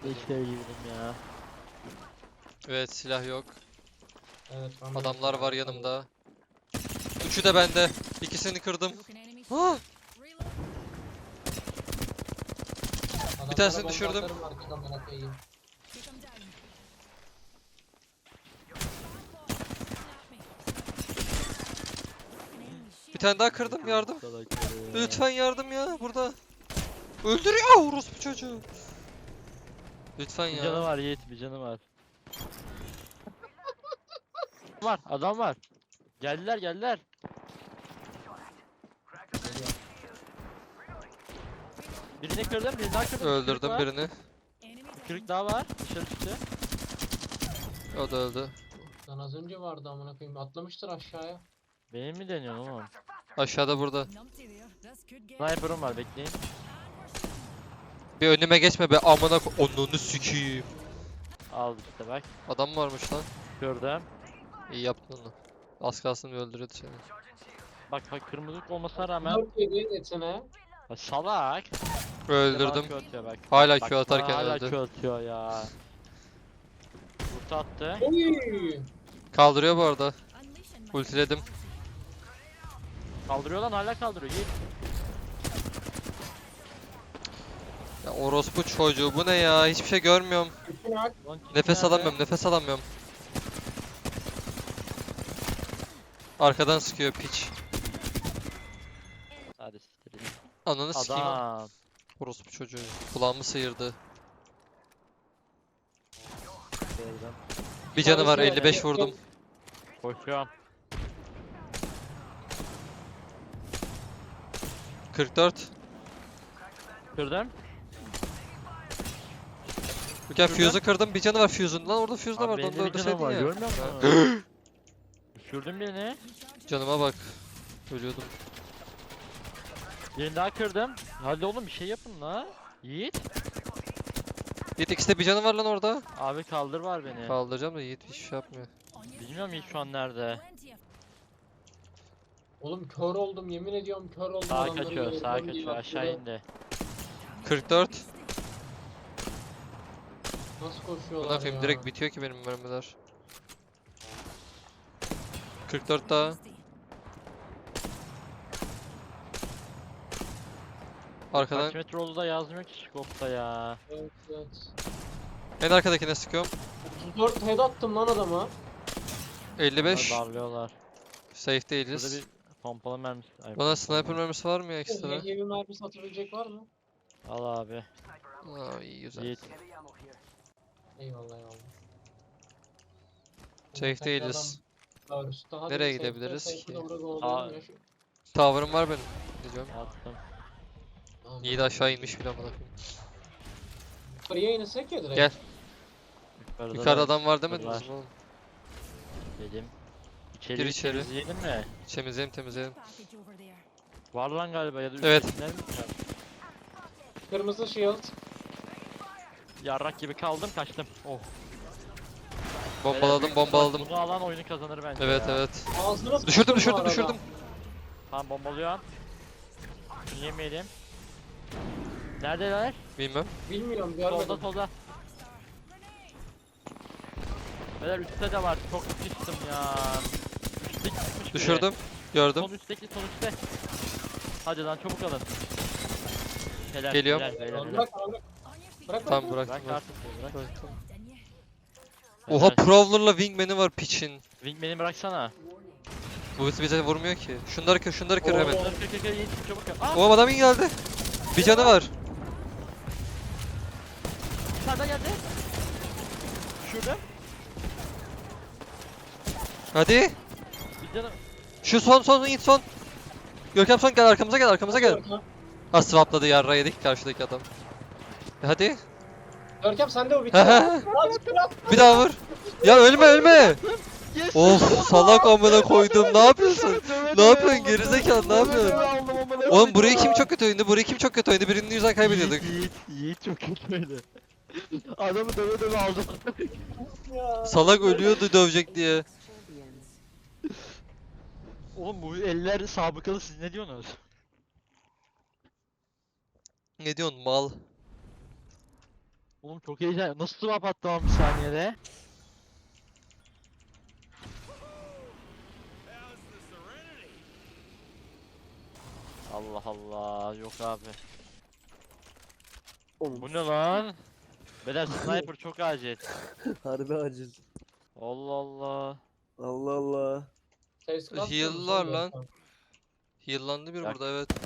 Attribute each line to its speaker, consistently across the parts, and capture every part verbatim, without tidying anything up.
Speaker 1: İşte girdim ya.
Speaker 2: Evet, silah yok.
Speaker 3: Evet, ben de
Speaker 2: Adamlar var
Speaker 3: mesela-
Speaker 2: yanımda. Üçü de bende. İkisini kırdım. Ah!
Speaker 3: Adamlara
Speaker 2: tanesini
Speaker 3: bomba
Speaker 2: düşürdüm.
Speaker 3: atarım, artık amına koyayım.
Speaker 2: Bir tane daha kırdım, yardım.
Speaker 1: Salakları ya.
Speaker 2: Lütfen yardım ya, burada. Öldürüyor orospu çocuğu. Lütfen
Speaker 1: Bir canı
Speaker 2: ya.
Speaker 1: var Yiğit, bir canı var. Var, adam var. Geldiler, geldiler. Birini kırdım, birini daha kırdım. Kırık
Speaker 2: Öldürdüm
Speaker 1: var.
Speaker 2: birini.
Speaker 1: Kırık daha var. Dışarı çıktı.
Speaker 2: O da öldü.
Speaker 3: Lan az önce vardı amına koyayım. Atlamıştır aşağıya.
Speaker 1: Benim mi deniyorsun oğlum?
Speaker 2: Aşağıda burada.
Speaker 1: Sniper'ım var, bekleyin.
Speaker 2: Bir önüme geçme be, amına ko... Onunu sikiyim.
Speaker 1: Al işte bak.
Speaker 2: Adam varmış lan.
Speaker 1: Gördüm.
Speaker 2: İyi yaptın onu. Az kalsın bir öldürüyordu seni.
Speaker 1: Bak bak, kırmızılık olmasına rağmen.
Speaker 3: dört yedi etsene.
Speaker 1: Ya salak.
Speaker 2: Öldürdüm.
Speaker 1: Q atıyor bak.
Speaker 2: Hala
Speaker 1: Bak,
Speaker 2: Q atarken
Speaker 1: bana hala
Speaker 2: öldü.
Speaker 1: Q atıyor ya. Ulti attı.
Speaker 3: Oy!
Speaker 2: Kaldırıyor bu arada. Ultiledim.
Speaker 1: Kaldırıyor lan, hala kaldırıyor. Yiğit.
Speaker 2: Ya orospu çocuğu, bu ne ya? Hiçbir şey görmüyorum.
Speaker 3: Üstüne ak.
Speaker 1: Lan kim
Speaker 2: Nefes
Speaker 1: nerede?
Speaker 2: alamıyorum, nefes alamıyorum. Arkadan sıkıyor piç.
Speaker 1: Hadi siktir.
Speaker 2: Ananı sikeyim.
Speaker 1: Adam.
Speaker 2: Orospu çocuğu. Kulağımı sıyırdı.
Speaker 1: Gördüm.
Speaker 2: Bir canı var,
Speaker 3: Tanesi
Speaker 2: elli beş vurdum.
Speaker 1: Koşuyorum.
Speaker 2: kırk dört.
Speaker 1: Kırdım.
Speaker 2: Gel
Speaker 1: Kırdım.
Speaker 2: fuse'u kırdım, bir canı var fuse'un. Lan orada fuse de
Speaker 1: Abi
Speaker 2: vardı,
Speaker 1: benim
Speaker 2: onu
Speaker 1: de
Speaker 2: da
Speaker 1: bir canım
Speaker 2: öldürseydin
Speaker 1: var,
Speaker 2: ya.
Speaker 1: görmüyor musun? Düşürdüm birini.
Speaker 2: Canıma bak. Ölüyordum.
Speaker 1: Birini daha kırdım. Hadi oğlum bir şey yapın la. Yiğit.
Speaker 2: Yiğit, ikisi de bir canı var lan orada.
Speaker 1: Abi kaldır var beni.
Speaker 2: Kaldıracağım da Yiğit hiçbir şey yapmıyor.
Speaker 1: Bilmiyorum Yiğit şu an nerede.
Speaker 3: Oğlum kör oldum, yemin ediyorum kör oldum.
Speaker 1: Sağa
Speaker 3: adamları
Speaker 1: kaçıyor,
Speaker 3: görüyorum
Speaker 1: sağa
Speaker 3: diye
Speaker 1: kaçıyor,
Speaker 3: bak
Speaker 1: aşağı
Speaker 3: burada.
Speaker 1: indi.
Speaker 2: kırk dört.
Speaker 3: Nasıl
Speaker 2: Buna
Speaker 3: koşuyorlar
Speaker 2: koyayım,
Speaker 3: ya?
Speaker 2: direkt bitiyor ki benim mermiler. kırk dört daha. Arkadan
Speaker 1: Kaç metre olduğu da yazmıyor ki scope'ta ya.
Speaker 3: Evet, evet.
Speaker 2: en arkadakine sıkıyorum.
Speaker 3: otuz dört head attım lan adama.
Speaker 2: elli beş.
Speaker 1: Bunlar darlıyorlar.
Speaker 2: Safe
Speaker 1: Burada
Speaker 2: değiliz.
Speaker 1: bir pompalı mermisi. Ay,
Speaker 2: Bana
Speaker 1: pompalı
Speaker 2: sniper
Speaker 1: mermisi.
Speaker 2: mermisi var mı ya ekstra?
Speaker 3: Heavy mermi satabilecek var mı?
Speaker 1: Al abi.
Speaker 2: Aa, iyi güzel.
Speaker 1: Yiğit.
Speaker 3: Eyvallah eyvallah.
Speaker 2: Safe
Speaker 3: Tekrardan
Speaker 2: değiliz.
Speaker 3: daha üstte. Hadi
Speaker 2: Nereye
Speaker 3: safe'de,
Speaker 2: gidebiliriz
Speaker 3: safe'de
Speaker 2: ki?
Speaker 3: de burada kovalayalım
Speaker 1: Aa.
Speaker 3: ya şu-
Speaker 2: Tower'ım var benim. Diyeceğim.
Speaker 1: Attım.
Speaker 3: Aman
Speaker 2: İyi de aşağı inmiş bile amına koyayım.
Speaker 3: Yukarıya inesek ya direkt.
Speaker 2: Gel.
Speaker 1: Yukarıda,
Speaker 2: Yukarıda
Speaker 1: da
Speaker 2: adam var demediniz
Speaker 1: var.
Speaker 2: mi oğlum?
Speaker 1: Dedim. İçeri
Speaker 2: Gir içeri.
Speaker 1: temizleyelim mi?
Speaker 2: Temizleyelim temizleyelim.
Speaker 1: Var lan galiba ya da
Speaker 2: Evet.
Speaker 1: üsttekiler mi?
Speaker 3: Kırmızı shield.
Speaker 1: Yarrak gibi kaldım, kaçtım. Oh.
Speaker 2: Bombaladım
Speaker 1: Beyler,
Speaker 2: bombaladım.
Speaker 1: Bunu alan oyunu kazanır bence
Speaker 2: Evet
Speaker 1: ya.
Speaker 2: evet.
Speaker 3: Ağzına
Speaker 2: Düşürdüm
Speaker 3: sıçtım bu
Speaker 2: düşürdüm
Speaker 3: arada.
Speaker 2: düşürdüm.
Speaker 1: Tamam, bombalıyorum. Şunu yemeyelim. Neredeler?
Speaker 2: Bilmem.
Speaker 3: Bilmiyorum
Speaker 1: Solda
Speaker 3: görmedim.
Speaker 1: solda. Beyler üstte de var. Çok sıçtım ya. Üstte gitmiş biri.
Speaker 2: Düşürdüm. Gördüm.
Speaker 1: Son üstteki, son üstte. Hadi lan çabuk alın. Helal,
Speaker 2: Geliyorum.
Speaker 1: helal, helal, helal.
Speaker 3: Bırak bırak. Bırak
Speaker 2: Tamam
Speaker 3: bırak.
Speaker 2: bıraktım.
Speaker 1: Bırak
Speaker 2: bıraktım.
Speaker 1: artık, bırak.
Speaker 2: Bıraktım.
Speaker 1: Helal.
Speaker 2: Oha, Prowler'la Wingman'i var piçin.
Speaker 1: Wingman'i bıraksana.
Speaker 2: Bu bize vurmuyor ki. Şunları kır, şunları kır
Speaker 3: Oo.
Speaker 2: hemen.
Speaker 1: Kır kır kır kır, Yiğit, çabuk kır. Aa,
Speaker 2: Oğlum adam iyi geldi. Bir canı var.
Speaker 1: bir tane daha geldi. Şurada.
Speaker 2: Hadi.
Speaker 1: Bir canı.
Speaker 2: Şu son son in son. Görkem son, gel arkamıza gel arkamıza gel.
Speaker 3: Görkem.
Speaker 2: Ha, swapladı, yarra yedik karşıdaki adam. E, Hadi.
Speaker 3: Görkem sen de o bitti.
Speaker 2: He he.
Speaker 3: Lan kral.
Speaker 2: Bir daha vur. Ya ölme ölme. Of salak amına koydum. Ne yapıyorsun? Ne yapıyorsun gerizekalı, ne yapıyorsun? Oğlum burayı kim çok kötü oynadı? Burayı kim çok kötü oynadı? Birinin yüzden kaybediyorduk.
Speaker 1: Yiğit, Yiğit çok kötüydü. Adamı döve döve aldım.
Speaker 3: Ya.
Speaker 2: Salak ölüyordu dövecek diye.
Speaker 1: Oğlum bu eller sabıkalı, siz ne diyorsunuz?
Speaker 2: Ne diyorsun mal?
Speaker 1: Oğlum çok heyecan. Nasıl swap attı ama bir saniyede? Allah Allah. Yok abi.
Speaker 4: Oğlum,
Speaker 1: Bu ne lan? Beyler sniper çok acil.
Speaker 4: harbi acil.
Speaker 1: Allah Allah.
Speaker 4: Allah Allah.
Speaker 3: Ses kasmıyor musun
Speaker 2: Heal'lar
Speaker 3: sen
Speaker 2: lan.
Speaker 3: Görkem?
Speaker 2: Heal'landı bir
Speaker 1: Ya-
Speaker 2: burada evet.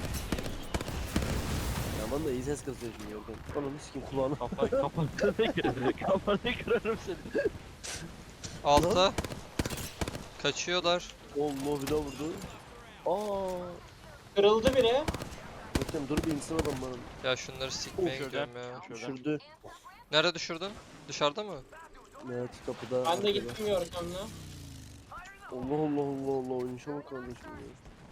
Speaker 4: Yaman da iyi ses kasıyor şimdi Görkem. Ananı sikeyim kulağına.
Speaker 1: Kafa kafanı kırarım. Kafanı kırarım seni.
Speaker 2: Alta. Kaçıyorlar.
Speaker 4: Allah bir daha vurdu. Aa.
Speaker 3: Kırıldı biri.
Speaker 4: Görkem dur bir insan adam bana.
Speaker 2: Ya şunları sikmeye
Speaker 1: Şurada.
Speaker 2: gidiyorum ya.
Speaker 1: Şurada.
Speaker 4: Düşürdü.
Speaker 2: Nerede düşürdün? Dışarıda mı?
Speaker 4: Evet kapıda.
Speaker 3: Ben de
Speaker 4: arkada.
Speaker 3: gittim Görkem'le.
Speaker 4: Allah Allah Allah Allah oynayışa bak kardeşim ya.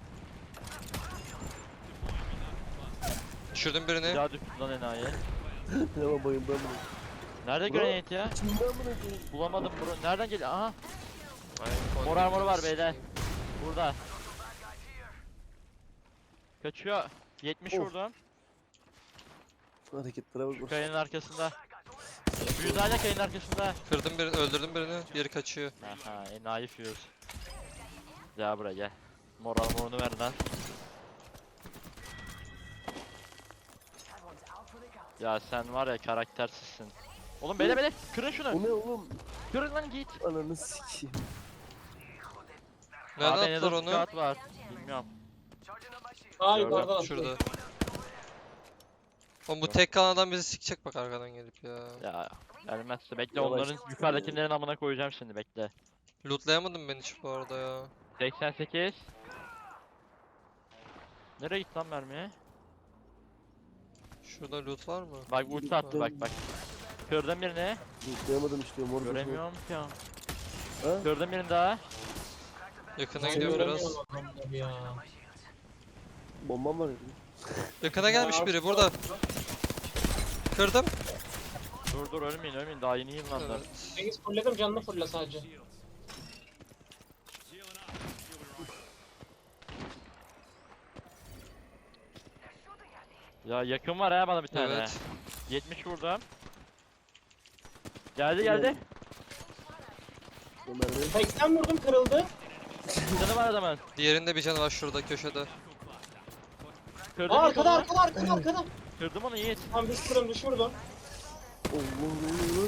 Speaker 2: Düşürdüm
Speaker 1: Bir
Speaker 2: birini.
Speaker 1: daha düştü lan enayi.
Speaker 4: Hemen bayıldım ben.
Speaker 1: Nerede
Speaker 4: Bro.
Speaker 1: granate ya?
Speaker 4: İçinden bırakayım.
Speaker 1: Bulamadım bro. Nereden geliyor? Aha.
Speaker 2: Ay,
Speaker 1: Mor armoru var beyler. Burada. Kaçıyor. yetmiş
Speaker 4: Of.
Speaker 1: vurdum.
Speaker 4: Hareketlere bak.
Speaker 1: Şu kayanın arkasında. Büyüdü hala kayanın arkasında.
Speaker 2: Kırdım birini, öldürdüm birini. Diğeri kaçıyor.
Speaker 1: Aha enayi fuse. Gel buraya gel. Mor armorunu ver lan. Ya sen var ya karaktersizsin. Oğlum bele bele kırın şunu.
Speaker 4: O ne oğlum?
Speaker 1: Kırın lan git.
Speaker 4: Ananı sikeyim.
Speaker 2: Nereden
Speaker 1: Abi,
Speaker 2: attılar
Speaker 1: Nether
Speaker 2: onu?
Speaker 1: squad var. Bilmiyorum.
Speaker 3: Aa
Speaker 1: Gördüm,
Speaker 3: yukarıdan attı.
Speaker 2: Şurada. Oğlum bu tek kalan adam bizi sikecek bak arkadan gelip ya.
Speaker 1: Ya gelmezse bekle
Speaker 4: Yavaş.
Speaker 1: onların yukarıdakilerin amına koyacağım şimdi bekle.
Speaker 2: Lootlayamadım ben hiç bu arada ya.
Speaker 1: seksen sekiz. Nereye gitti lan mermi?
Speaker 2: Şurada loot var mı?
Speaker 1: Bak ulti attı bak bak. Kırdım birini.
Speaker 4: Yıkayamadım işte mor.
Speaker 1: Göremiyorum ki.
Speaker 4: Ha?
Speaker 1: Kırdım birini daha.
Speaker 2: Yakına
Speaker 3: Ben
Speaker 2: gidiyorum biraz.
Speaker 3: göremiyorum adamları ya.
Speaker 4: Bombam var ya.
Speaker 2: Yakına gelmiş biri burada. Kırdım.
Speaker 1: Dur dur ölmeyin ölmeyin daha yeni yıllandı.
Speaker 2: Evet.
Speaker 3: Cengiz fullledim canını fulle sadece.
Speaker 1: Ya yakın var ha bana bir tane.
Speaker 2: Evet.
Speaker 1: yetmiş vurdum. Geldi geldi.
Speaker 4: Ömer Bey.
Speaker 3: seksen vurdum kırıldı.
Speaker 1: Canı var adamın.
Speaker 2: Diğerinde bir canı var şurada köşede.
Speaker 1: Kırdım
Speaker 3: Aa
Speaker 1: ilk
Speaker 3: arkada
Speaker 1: onu.
Speaker 3: arkada arkada arkada.
Speaker 1: Kırdım onu Yiğit.
Speaker 3: Tam düş vurdum düş vurdum.
Speaker 4: Allah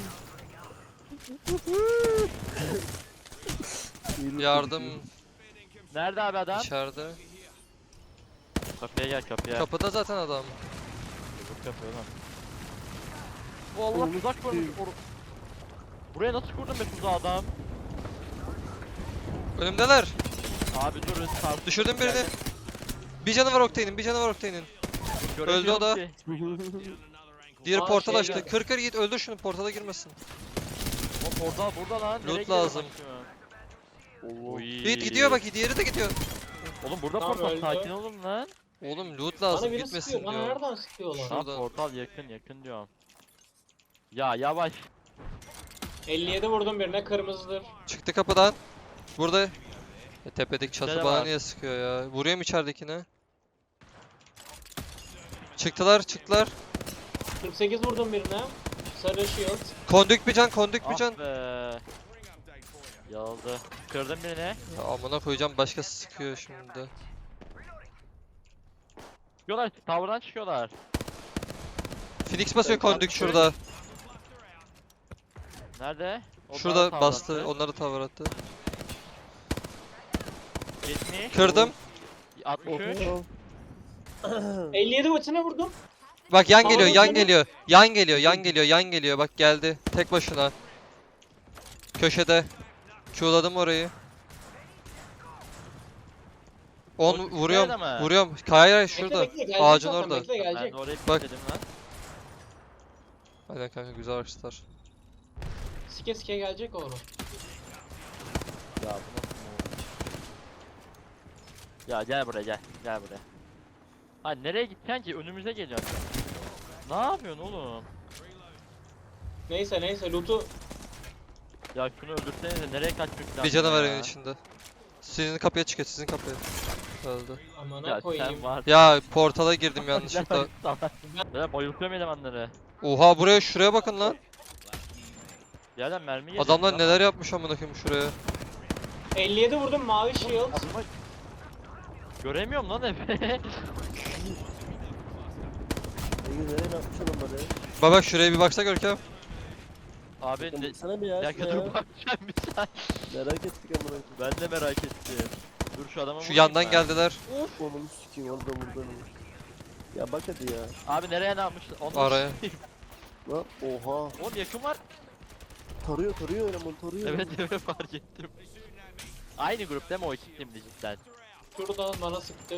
Speaker 4: Allah.
Speaker 2: Yardım
Speaker 1: Nerede abi adam?
Speaker 2: içeride.
Speaker 1: Kapıya gel kapıya.
Speaker 2: Kapıda zaten adam.
Speaker 1: Vur kapıyı oğlum. Bu Allah
Speaker 4: Oğlum,
Speaker 1: tuzak kurmuş.
Speaker 4: sikeyim.
Speaker 1: Or- Buraya nasıl kurdun be tuzağı adam?
Speaker 2: Önümdeler.
Speaker 1: Abi dur tartış.
Speaker 2: Düşürdüm birini. Bir canı var Octane'in, bir canı var Octane'in. Öldü o da. Diğeri
Speaker 3: Aa,
Speaker 2: portal
Speaker 3: şey
Speaker 2: açtı.
Speaker 3: geldi.
Speaker 2: Kır kır git öldür şunu portala girmesin.
Speaker 1: O portal burada lan.
Speaker 2: Loot
Speaker 1: Nereye gidiyor
Speaker 2: lazım.
Speaker 1: bak şu an?
Speaker 4: Allah.
Speaker 1: Oy.
Speaker 2: Yiğit gidiyor bak diğeri de gidiyor.
Speaker 1: Oğlum burada
Speaker 3: Tamam,
Speaker 1: portal
Speaker 3: öldü.
Speaker 1: sakin olun lan.
Speaker 2: Oğlum loot
Speaker 3: Bana
Speaker 2: lazım
Speaker 3: biri
Speaker 2: gitmesin
Speaker 3: sıkıyor. Bana
Speaker 2: diyor.
Speaker 3: nereden sıkıyorlar?
Speaker 2: Şu-
Speaker 1: Lan
Speaker 2: Şuradan.
Speaker 1: portal yakın yakın diyorum. Ya yavaş.
Speaker 3: elli yedi vurdum birine kırmızıdır.
Speaker 2: Çıktı kapıdan. Burada. Ya tepedeki çatı
Speaker 1: Şöyle
Speaker 2: bana
Speaker 1: var.
Speaker 2: niye sıkıyor ya? Vuruyorum içeridekine. Çıktılar çıktılar.
Speaker 3: kırk sekiz vurdum birine. Sarı shield.
Speaker 2: Kondük bir can kondük bir
Speaker 1: Ah
Speaker 2: can.
Speaker 1: be. Yaldı. Kırdım birini.
Speaker 2: Ya amına koyacağım başkası sıkıyor şimdi.
Speaker 1: Çıkıyorlar. Tower'dan çıkıyorlar.
Speaker 2: Phoenix basıyor kondük şurada.
Speaker 1: Nerede? O daha
Speaker 2: Şurada
Speaker 1: tower
Speaker 2: bastı.
Speaker 1: attı.
Speaker 2: Onları tavır attı.
Speaker 1: yetmiş.
Speaker 2: Kırdım.
Speaker 1: altmış üç.
Speaker 3: elli yedi ultine vurdum.
Speaker 2: Bak yan
Speaker 3: Tamam,
Speaker 2: geliyor, yan
Speaker 3: tamam.
Speaker 2: geliyor. Yan geliyor, yan geliyor, yan geliyor. Bak geldi. Tek başına. Köşede. Q'ladım orayı. On
Speaker 1: O
Speaker 2: vuruyorum.
Speaker 1: nerede mi?
Speaker 2: Vuruyorum. Hayır hayır
Speaker 3: Bekle,
Speaker 2: şurada.
Speaker 3: bekle, gelecek
Speaker 2: Ağacın
Speaker 3: zaten,
Speaker 2: orada.
Speaker 3: Bekle
Speaker 1: Ben
Speaker 3: gelecek.
Speaker 1: de oraya
Speaker 2: Bak.
Speaker 1: dedim lan.
Speaker 2: Aynen kanka güzel açtılar.
Speaker 3: Sike sike gelecek oğlum.
Speaker 1: Ya bu nasıl move? Ya gel buraya gel. Gel buraya. Ha nereye gideceksin ki? Önümüze geliyorsun. Ne yapıyorsun oğlum?
Speaker 3: Neyse neyse loot'u
Speaker 1: Ya şunu öldürsenize nereye kaçmak lazım
Speaker 2: Bir canı var
Speaker 1: ya?
Speaker 2: evin içinde. Sizin kapıya çıkıyor, sizin kapıya. Öldü.
Speaker 3: Amına
Speaker 1: Ya
Speaker 3: koyayım.
Speaker 1: sen var.
Speaker 2: Ya portala girdim yanlışlıkla.
Speaker 1: Ben bayıltıyorum elemanları.
Speaker 2: Oha buraya şuraya bakın lan.
Speaker 1: Yerden mermi yedim.
Speaker 2: Adamlar neler yapmış amına koyayım şuraya.
Speaker 3: elli yedi vurdum mavi shield.
Speaker 1: Göremiyorum lan Efe.
Speaker 4: Cengiz nereye ne yapmış oğlum bana?
Speaker 2: Bak bak şuraya bir baksana Görkem.
Speaker 1: Abi ne...
Speaker 4: Sana bir ya.
Speaker 1: Bir dakika dur
Speaker 4: şuraya.
Speaker 1: bakacağım bir saniye.
Speaker 4: Merak ettik amına koyayım.
Speaker 1: Ben de merak ettim. Dur şu adama
Speaker 2: Şu
Speaker 1: vurayım
Speaker 2: yandan
Speaker 1: ben.
Speaker 2: geldiler.
Speaker 4: Onu sikeyim orada burada. Ya bak hadi ya.
Speaker 1: Abi nereye ne yapmış? Onu
Speaker 2: Araya.
Speaker 4: Lan oha.
Speaker 1: Oğlum yakın var.
Speaker 4: Tarıyor tarıyor eleman tarıyor.
Speaker 1: Evet evet fark ettim. Aynı grup değil mi o iki timdi cidden?
Speaker 3: Şuradan bana sıktı.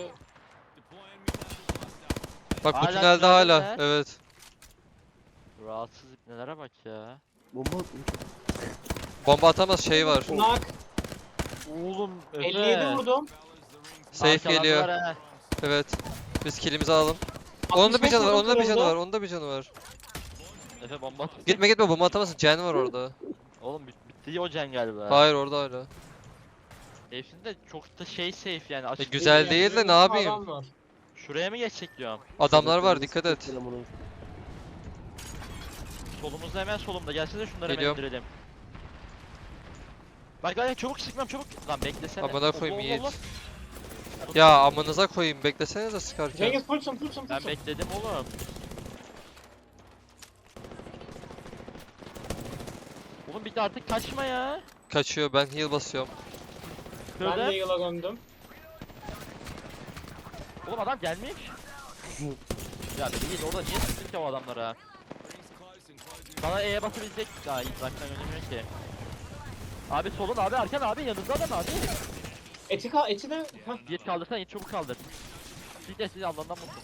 Speaker 2: Bak bu
Speaker 1: Hala
Speaker 2: tünelde
Speaker 1: tünelde
Speaker 2: hala.
Speaker 1: mi?
Speaker 2: Evet.
Speaker 1: Rahatsız ipnelere bak ya.
Speaker 4: Bomba atmış.
Speaker 2: Bomba atamaz şey var.
Speaker 3: Knock.
Speaker 1: Oğlum Efe.
Speaker 3: elli yedi vurdum.
Speaker 2: Safe
Speaker 1: Arkalandılar
Speaker 2: geliyor.
Speaker 1: ha.
Speaker 2: Evet. Biz killimizi alalım. Onun da bir
Speaker 3: altmış beş
Speaker 2: canı var,
Speaker 3: vurdum
Speaker 2: onun da bir canı
Speaker 3: kırıldı.
Speaker 2: var, onun da bir canı var.
Speaker 1: Efe bomba at.
Speaker 2: Gitme gitme bomba atamazsın. Can var orada.
Speaker 1: Oğlum bit bitti o Cen galiba.
Speaker 2: Hayır orada hala.
Speaker 1: Herifin de çok da şey safe yani
Speaker 2: E,
Speaker 1: açık
Speaker 2: güzel
Speaker 1: değil.
Speaker 2: değil de ne
Speaker 3: Adam
Speaker 2: yapayım?
Speaker 3: var.
Speaker 1: Şuraya mı geçsek diyorum.
Speaker 2: Adamlar var dikkat et.
Speaker 1: Solumuzda hemen solumda. Gelsene şunları
Speaker 2: Geliyorum.
Speaker 1: hemen indirelim. Bak lan çabuk sıkmam çabuk. Lan beklesene.
Speaker 2: Amına koyayım
Speaker 1: Allah
Speaker 2: Yiğit.
Speaker 1: Allah.
Speaker 2: Ya amınıza koyayım beklesenize sıkarken.
Speaker 3: Cengiz fullsun fullsun
Speaker 1: Ben
Speaker 3: fullsun.
Speaker 1: bekledim oğlum. Oğlum bir de artık kaçma ya.
Speaker 2: Kaçıyor ben heal basıyorum.
Speaker 3: Ben de
Speaker 1: Şöyle.
Speaker 3: yıla gömdüm.
Speaker 1: Oğlum adam gelmiş. Ya değil orada niye sıktın ki o adamlara? Sana E'ye basabilecek daha iyi uzaktan önemiyor ki. Abi solun abi arkan abi yanında adam abi.
Speaker 3: Eti, ka eti de... Heh.
Speaker 1: Yiğit kaldırsana Yiğit çabuk kaldır. Bir de sizi Allah'ından mutlu.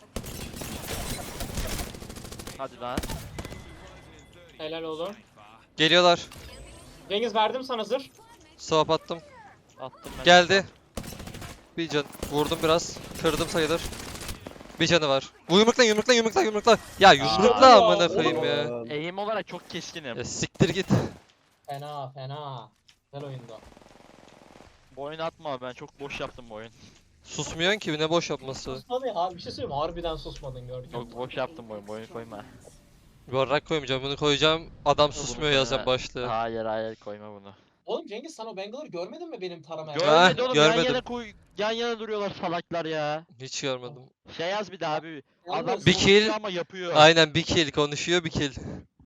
Speaker 1: Hadi lan.
Speaker 3: Helal oğlum.
Speaker 2: Geliyorlar.
Speaker 3: Cengiz verdim sana zırh.
Speaker 2: Swap attım.
Speaker 1: Attım ben.
Speaker 2: Geldi. Bir can. Vurdum biraz. Kırdım sayılır. Bir canı var. Bu yumrukla yumrukla yumrukla yumrukla. Ya yumrukla
Speaker 3: ya,
Speaker 2: amına
Speaker 3: oğlum.
Speaker 2: koyayım ya.
Speaker 1: Eğim olarak çok keskinim.
Speaker 2: Ya siktir git.
Speaker 3: Fena fena. Güzel oyunda.
Speaker 1: Bu oyunu atma ben çok boş yaptım bu oyun.
Speaker 2: Susmuyorsun ki ne boş yapması.
Speaker 3: Susmadın ya. Bir şey söyleyeyim mi? Harbiden susmadın gördün.
Speaker 1: Çok boş yaptım bu oyun, bu oyunu koyma.
Speaker 2: Barrak koymayacağım bunu koyacağım. Adam susmuyor
Speaker 1: Bunu
Speaker 2: yazacağım
Speaker 1: koyma.
Speaker 2: başlığı.
Speaker 1: Hayır hayır koyma bunu.
Speaker 3: Oğlum Cengiz sen o Bangalore'u görmedin mi benim taramaya?
Speaker 2: Gör-
Speaker 1: Görmedi oğlum yan
Speaker 2: görmedim.
Speaker 1: yana koy yan yana duruyorlar salaklar ya.
Speaker 2: Hiç görmedim.
Speaker 1: Şey yaz bir daha abi.
Speaker 3: Yalnız-
Speaker 1: Adam
Speaker 2: Bir
Speaker 1: konuşuyor
Speaker 2: kill-
Speaker 1: ama yapıyor.
Speaker 2: Aynen bir kill konuşuyor bir kill.